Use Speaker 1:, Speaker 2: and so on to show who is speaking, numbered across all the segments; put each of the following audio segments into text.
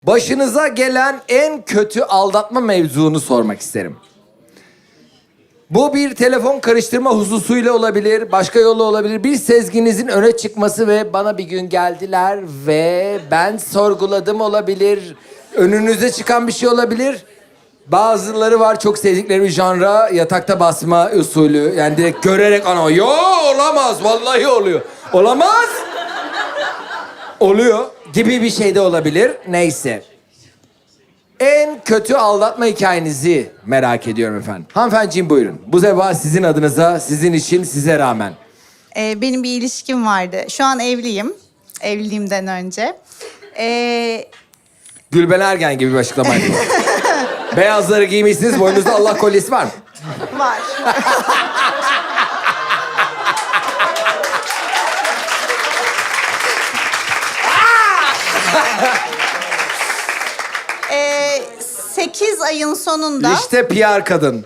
Speaker 1: Başınıza gelen en kötü aldatma mevzunu sormak isterim. Bu bir telefon karıştırma hususuyla olabilir, başka yolla olabilir. Bir sezginizin öne çıkması ve bana bir gün geldiler ve ben sorguladım olabilir. Önünüze çıkan bir şey olabilir. Bazıları var çok sevdikleri bir janra, yatakta basma usulü. Yani direkt görerek ana, yo olamaz, vallahi oluyor. Olamaz. Oluyor gibi bir şey de olabilir. Neyse. En kötü aldatma hikayenizi merak ediyorum efendim. Hanımefendiciğim buyurun. Bu sefer sizin adınıza, sizin için, size rağmen.
Speaker 2: Benim bir ilişkim vardı. Şu an evliyim. Evliliğimden önce.
Speaker 1: Gülben Ergen gibi bir açıklamaydı bu. Beyazları giymişsiniz, boynunuzda Allah kolyesi var mı?
Speaker 2: Var. Ee, 8 ayın sonunda...
Speaker 1: İşte PR kadın.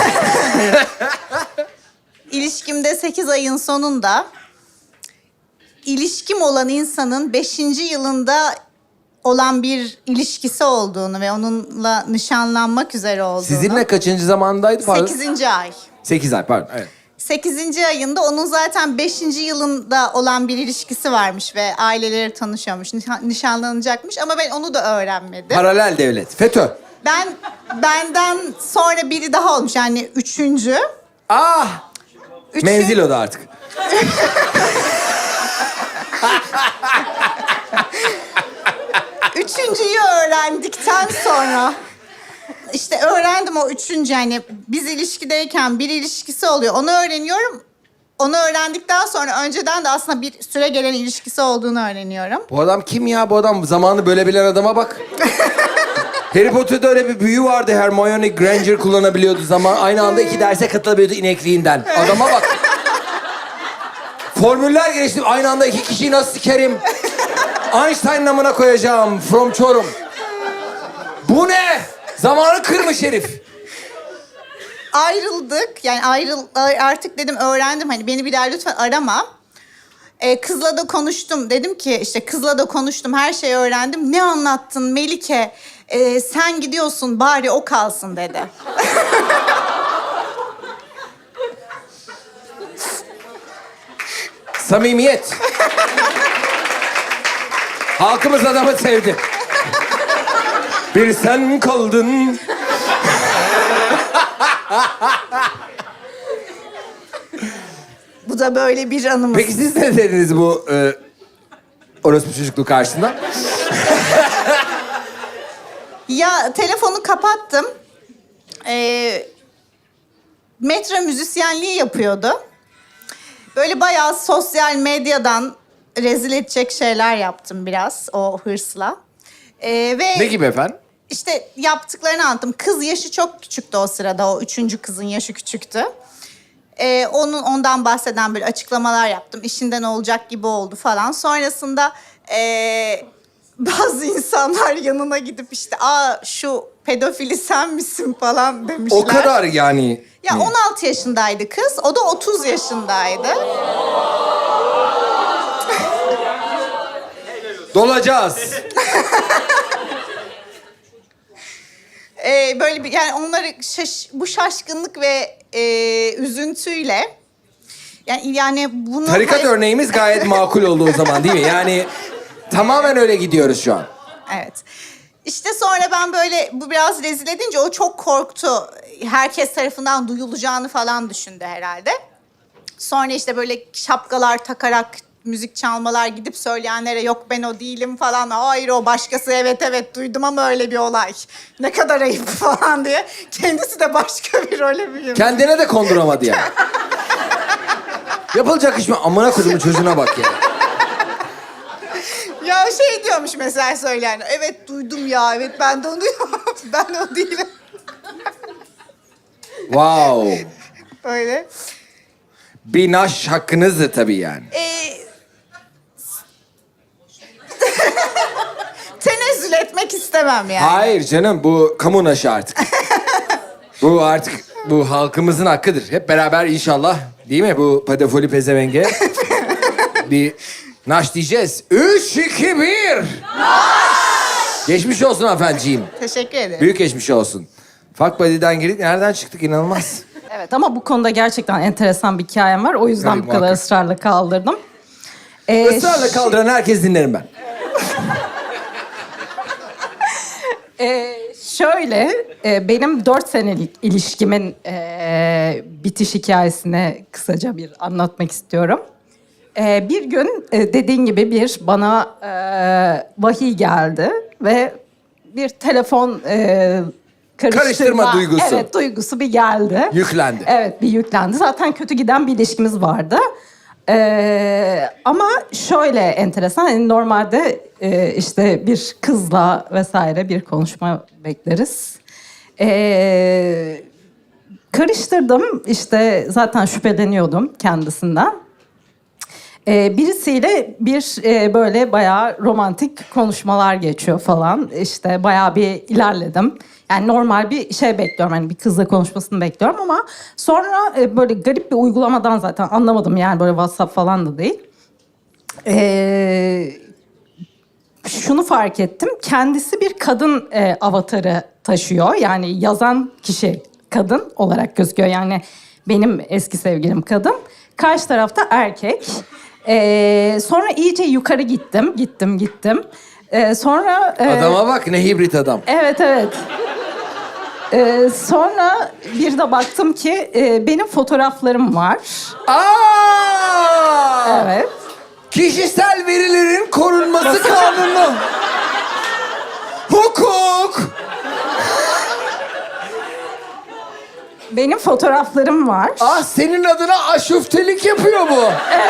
Speaker 2: İlişkimde 8 ayın sonunda... ilişkim olan insanın 5. yılında olan bir ilişkisi olduğunu ve onunla nişanlanmak üzere olduğunu...
Speaker 1: Sizinle kaçıncı zamandaydı? Pardon.
Speaker 2: 8. ay.
Speaker 1: 8 ay pardon. Evet.
Speaker 2: 8. ayında onun zaten 5. yılında olan bir ilişkisi varmış ve aileleri tanışıyormuş, nişanlanacakmış ama ben onu da öğrenmedim.
Speaker 1: Paralel devlet. FETÖ.
Speaker 2: Benden sonra biri daha olmuş yani 3.
Speaker 1: Ah! Menzil o da artık.
Speaker 2: Üçüncüyü öğrendikten sonra işte öğrendim o 3. yani biz ilişkideyken bir ilişkisi oluyor. Onu öğreniyorum. Onu öğrendikten sonra önceden de aslında bir süre gelen ilişkisi olduğunu öğreniyorum.
Speaker 1: Bu adam kim ya? Bu adam zamanı bölebilen adama bak. Harry Potter'da öyle bir büyü vardı. Hermione Granger kullanabiliyordu zaman. Aynı anda 2 derse katılabiliyordu inekliğinden. Adama bak. Formüller geliştirdim. Aynı anda 2 kişiyi nasıl sikerim? Einstein namına koyacağım. From Çorum. Bu ne? Zamanı kırmış herif.
Speaker 2: Ayrıldık. Yani artık dedim öğrendim hani beni bir daha lütfen arama. Kızla da konuştum. Dedim ki işte kızla da konuştum. Her şeyi öğrendim. Ne anlattın Melike? Sen gidiyorsun bari o kalsın dedi.
Speaker 1: Samimiyet. Halkımız adamı sevdi. Bir sen kaldın.
Speaker 2: Bu da böyle bir anımız.
Speaker 1: Peki siz ne dediniz bu orospu çocukluğu karşısında?
Speaker 2: Ya telefonu kapattım. Metro müzisyenliği yapıyordu. Böyle bayağı sosyal medyadan rezil edecek şeyler yaptım biraz o hırsla. Ve
Speaker 1: Ne gibi efendim?
Speaker 2: İşte yaptıklarını anlattım. Kız yaşı çok küçüktü o sırada. O 3. kızın yaşı küçüktü. Ondan bahseden böyle açıklamalar yaptım. İşinden olacak gibi oldu falan. Sonrasında bazı insanlar yanına gidip işte şu pedofili sen misin falan demişler.
Speaker 1: O kadar yani.
Speaker 2: Ya 16 yaşındaydı kız. O da 30 yaşındaydı.
Speaker 1: Dolacağız.
Speaker 2: Böyle bir yani onları bu şaşkınlık ve üzüntüyle yani bunu
Speaker 1: Tarikat örneğimiz gayet makul oldu o zaman değil mi? Yani tamamen öyle gidiyoruz şu an.
Speaker 2: Evet. İşte sonra ben böyle bu biraz rezil edince o çok korktu. Herkes tarafından duyulacağını falan düşündü herhalde. Sonra işte böyle şapkalar takarak müzik çalmalar gidip söyleyenlere yok ben o değilim falan. Hayır o başkası evet duydum ama öyle bir olay. Ne kadar ayıp falan diye. Kendisi de başka bir role büründü.
Speaker 1: Kendine de konduramadı yani. Yapılacak iş mi? Amına kodumun çocuğuna bak ya.
Speaker 2: Ya şey diyormuş mesela söyleyen. Evet duydum ya evet ben de onu ben o değilim.
Speaker 1: Wow.
Speaker 2: Öyle.
Speaker 1: Bir naş hakkınızdı tabii yani.
Speaker 2: Tenezzül etmek istemem yani.
Speaker 1: Hayır canım bu kamu naşı artık. Bu artık bu halkımızın hakkıdır. Hep beraber inşallah değil mi bu pedofili pezevenge? Bir naş diyeceğiz. 3, 2, 1. Naş! Geçmiş olsun efendiciğim.
Speaker 2: Teşekkür ederim.
Speaker 1: Büyük geçmiş olsun. Fuck buddy'den girdik. Nereden çıktık inanılmaz.
Speaker 3: Evet ama bu konuda gerçekten enteresan bir hikayem var. O yüzden
Speaker 1: Tabii,
Speaker 3: bu kadar
Speaker 1: muhakkak.
Speaker 3: ısrarla kaldırdım.
Speaker 1: Israrla kaldıran herkes dinlerim ben.
Speaker 3: Şöyle, benim 4 senelik ilişkimin bitiş hikayesini kısaca bir anlatmak istiyorum. Bir gün dediğin gibi bir bana vahiy geldi ve bir telefon
Speaker 1: Karıştırma duygusu.
Speaker 3: Evet, duygusu bir geldi.
Speaker 1: Yüklendi.
Speaker 3: Evet, bir yüklendi. Zaten kötü giden bir ilişkimiz vardı. Ama şöyle enteresan, hani normalde işte bir kızla vesaire bir konuşma bekleriz. Karıştırdım, işte zaten şüpheleniyordum kendisinden. Birisiyle bir böyle bayağı romantik konuşmalar geçiyor falan. İşte bayağı bir ilerledim. Yani normal bir şey bekliyorum. Hani bir kızla konuşmasını bekliyorum ama sonra böyle garip bir uygulamadan zaten anlamadım. Yani böyle WhatsApp falan da değil. Şunu fark ettim. Kendisi bir kadın avatarı taşıyor. Yani yazan kişi kadın olarak gözüküyor. Yani benim eski sevgilim kadın. Karşı tarafta erkek. Sonra iyice yukarı gittim. Sonra...
Speaker 1: Adama bak ne hibrit adam.
Speaker 3: Evet. Sonra bir de baktım ki benim fotoğraflarım var.
Speaker 1: Aa!
Speaker 3: Evet.
Speaker 1: Kişisel verilerin korunması kanunu. Hukuk.
Speaker 3: Benim fotoğraflarım var.
Speaker 1: Ah senin adına aşuftelik yapıyor bu.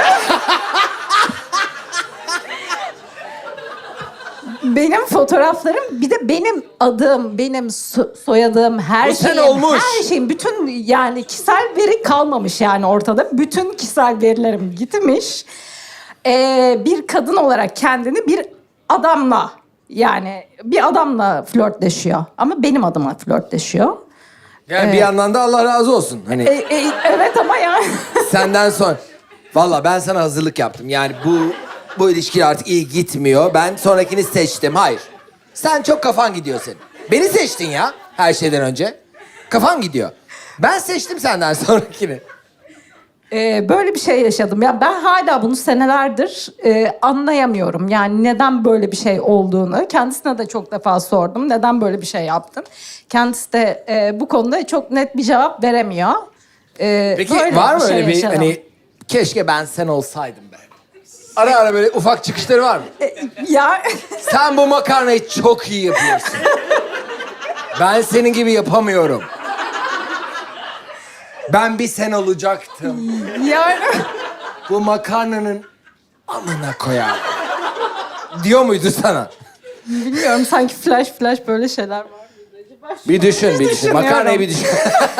Speaker 3: Benim fotoğraflarım, bir de benim adım, benim soyadım, her
Speaker 1: Bu sen
Speaker 3: şeyim,
Speaker 1: olmuş.
Speaker 3: her şeyim, bütün yani kişisel veri kalmamış yani ortada. Bütün kişisel verilerim gitmiş. Bir kadın olarak kendini bir adamla, yani bir adamla flörtleşiyor. Ama benim adıma flörtleşiyor.
Speaker 1: Yani bir yandan da Allah razı olsun. Hani
Speaker 3: Evet ama yani...
Speaker 1: senden sonra. Valla ben sana hazırlık yaptım. Yani bu ilişki artık iyi gitmiyor. Ben sonrakini seçtim. Hayır. Sen çok kafan gidiyor senin. Beni seçtin ya her şeyden önce. Kafan gidiyor. Ben seçtim senden sonrakini.
Speaker 3: Böyle bir şey yaşadım. Ya ben hala bunu senelerdir anlayamıyorum. Yani neden böyle bir şey olduğunu. Kendisine de çok defa sordum. Neden böyle bir şey yaptın? Kendisi de bu konuda çok net bir cevap veremiyor.
Speaker 1: Peki
Speaker 3: Böyle
Speaker 1: var mı
Speaker 3: şey
Speaker 1: öyle bir
Speaker 3: yaşadım.
Speaker 1: hani keşke ben sen olsaydım be. Ara ara böyle ufak çıkışları var mı?
Speaker 3: Ya
Speaker 1: Sen bu makarnayı çok iyi yapıyorsun. Ben senin gibi yapamıyorum. Ben bir sen olacaktım.
Speaker 3: yani
Speaker 1: Bu makarnanın amına koyar. Diyor muydu sana?
Speaker 3: bilmiyorum, sanki flash böyle şeyler var.
Speaker 1: Bir düşün.
Speaker 3: düşünüyorum.
Speaker 1: Makarnayı bir düşün.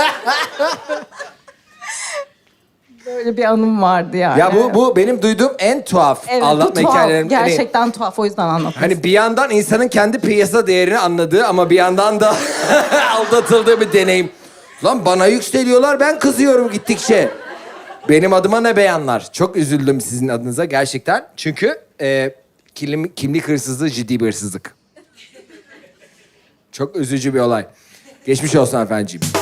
Speaker 3: Böyle bir anım vardı yani.
Speaker 1: Ya bu benim duyduğum en tuhaf
Speaker 3: evet, bu
Speaker 1: aldatma
Speaker 3: tuhaf.
Speaker 1: hikayelerimden. Hani-
Speaker 3: Gerçekten tuhaf, o yüzden anlatmak
Speaker 1: Hani bir yandan insanın kendi piyasa değerini anladığı ama bir yandan da aldatıldığı bir deneyim. Lan bana yükseliyorlar, ben kızıyorum gittikçe. Benim adıma ne beyanlar. Çok üzüldüm sizin adınıza gerçekten. Çünkü kimlik hırsızlığı ciddi bir hırsızlık. Çok üzücü bir olay. Geçmiş olsun efendiciğim.